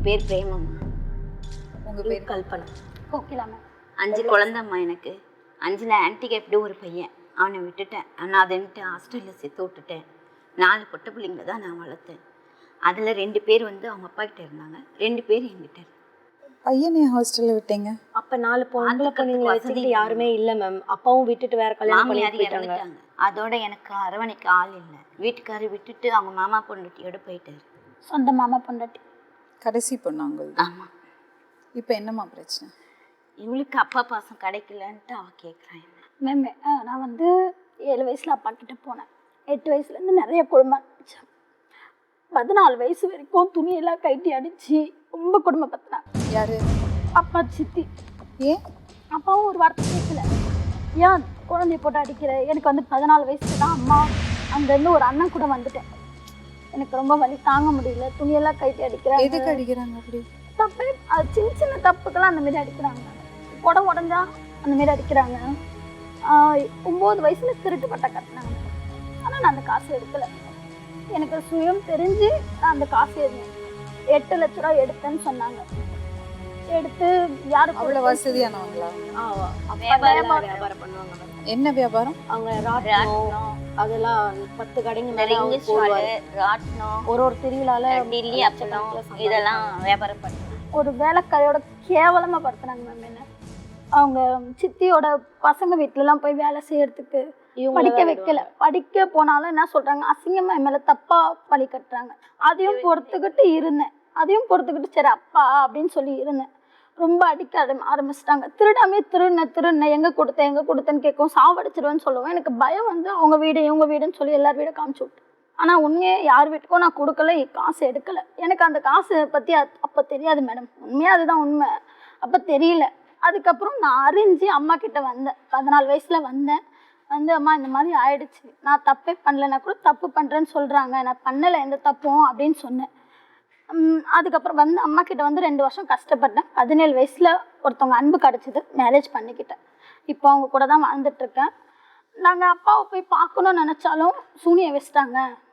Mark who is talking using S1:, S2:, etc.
S1: பேர் பிரேமம்.
S2: உங்கள் பேர்?
S3: கல்பனா.
S4: கோகிலா மேம்.
S1: 5 குழந்தைம்மா எனக்கு. 5ல் ஆன்டிக்கு எப்படி ஒரு பையன், அவனை விட்டுட்டேன். நான் அதன்ட்டு ஹாஸ்டலில் சேர்த்து விட்டுட்டேன். 4 பொட்டை பிள்ளைங்கள தான் நான் வளர்த்தேன். அதில் 2 பேர் வந்து அவங்க அப்பா கிட்ட இருந்தாங்க, 2 பேர் என்கிட்ட.
S2: பையனே ஹாஸ்டலில் விட்டீங்க?
S3: அப்போ 4 பொம்பளை பொண்ணுங்களை வச்சுக்கிட்டு யாருமே இல்லை மேம். அப்பாவும் விட்டுட்டு வேற கல்யாணம் பண்ணி போயிட்டாங்க.
S1: அதோட எனக்கு அரவணைக்க ஆள் இல்லை. வீட்டுக்காரர் விட்டுட்டு அவங்க மாமா பொண்டாட்டியோட போயிட்டாரு.
S4: சொந்த மாமா பொண்டாட்டி.
S2: கடைசி பொண்ணு அவங்களுக்கு?
S1: ஆமாம்.
S2: இப்போ என்னம்மா பிரச்சனை?
S1: இவளுக்கு அப்பா பாசம் கிடைக்கலன்ட்டு அவள் கேட்குறான்.
S4: மேம் நான் வந்து 7 வயசில் அப்பா கிட்ட போனேன். 8 வயசுலேருந்து நிறைய குடும்பம் அடித்தேன். 14 வயசு வரைக்கும் துணியெல்லாம் கைட்டி அடித்து ரொம்ப குடும்பப்படுத்தினாங்க.
S2: யாரு?
S4: அப்பா சித்தி.
S2: ஏன்?
S4: அப்பாவும் ஒரு வார்த்தை கேட்கல. ஏன் குழந்தைய போட்டு அடிக்கிற? எனக்கு வந்து 14 வயசுல தான் அம்மா அங்கேருந்து ஒரு அண்ணன் கூட வந்துட்டேன். எனக்கு ரொம்ப வலி தாங்க முடியல. துணியெல்லாம் கைட்டி அடிக்கிறாங்க.
S2: எதுக்கு அடிக்கிறாங்க அப்படி?
S4: தப்பு, அது சின்ன சின்ன தப்புக்கெல்லாம் அந்த மாதிரி அடிக்கிறாங்க. குடம் உடஞ்சா அந்த மாதிரி அடிக்கிறாங்க. 9 வயசுல திருட்டு பட்டை கட்டினாங்க. ஆனால் நான் அந்த காசு எடுக்கலை. எனக்கு சுயம் தெரிஞ்சு நான் அந்த காசு 8 லட்ச ரூபா எடுத்தேன்னு சொன்னாங்க. எடுத்து யாருக்கு?
S2: அவ்வளோ வசதியானவங்களா?
S3: வியாபாரம் பண்ணுவாங்க.
S2: என்ன வியாபாரம்?
S3: அவங்க ராட்னம் அதெல்லாம் 10 கடைங்க மேலே ஒரு திருவிழால
S1: டில்லி அப்பளம் இதெல்லாம் வியாபாரம் பண்ணுவாங்க.
S4: ஒரு வேலைக்காரியோட கேவலமாக படுத்துனாங்க மேம். என்ன அவங்க சித்தியோட பசங்க வீட்டிலலாம் போய் வேலை செய்யறதுக்கு படிக்க வைக்கல. படிக்க போனாலும் என்ன சொல்கிறாங்க, அசிங்கமாக என் மேலே தப்பாக பழி கட்டுறாங்க. அதையும் பொறுத்துக்கிட்டு இருந்தேன். சரி அப்பா அப்படின்னு சொல்லி இருந்தேன். ரொம்ப அடிக்க ஆரம்பிச்சிட்டாங்க. திருடாமே திருடின எங்கே கொடுத்தேன்னு கேட்கும். சாவடிச்சிருவேன்னு சொல்லுவேன். எனக்கு பயம் வந்து அவங்க வீடு இவங்க வீடுன்னு சொல்லி எல்லார் வீடும் காமிச்சு விட்டு. ஆனால் உண்மையே யார் வீட்டுக்கும் நான் கொடுக்கல, காசு எடுக்கலை. எனக்கு அந்த காசை பற்றி அப்போ தெரியாது மேடம். உண்மையாக அதுதான் உண்மை. அப்போ தெரியல. அதுக்கப்புறம் நான் அறிஞ்சு அம்மா கிட்ட வந்தேன். 14 வயசில் வந்தேன். வந்து அம்மா இந்த மாதிரி ஆயிடுச்சு, நான் தப்பே பண்ணலைன்னா கூட தப்பு பண்ணுறேன்னு சொல்கிறாங்க, நான் பண்ணலை எந்த தப்பும் அப்படின்னு சொன்னேன். அதுக்கப்புறம் வந்து அம்மா கிட்ட வந்து 2 வருஷம் கஷ்டப்பட்டேன். 17 வயசில் ஒருத்தவங்க அன்பு கிடச்சிது, மேரேஜ் பண்ணிக்கிட்டேன். இப்போ அவங்க கூட தான் வாழ்ந்துட்டுருக்கேன். நாங்கள் அப்பாவை போய் பார்க்கணுன்னு நினச்சாலும் சூனியை வச்சிட்டாங்க,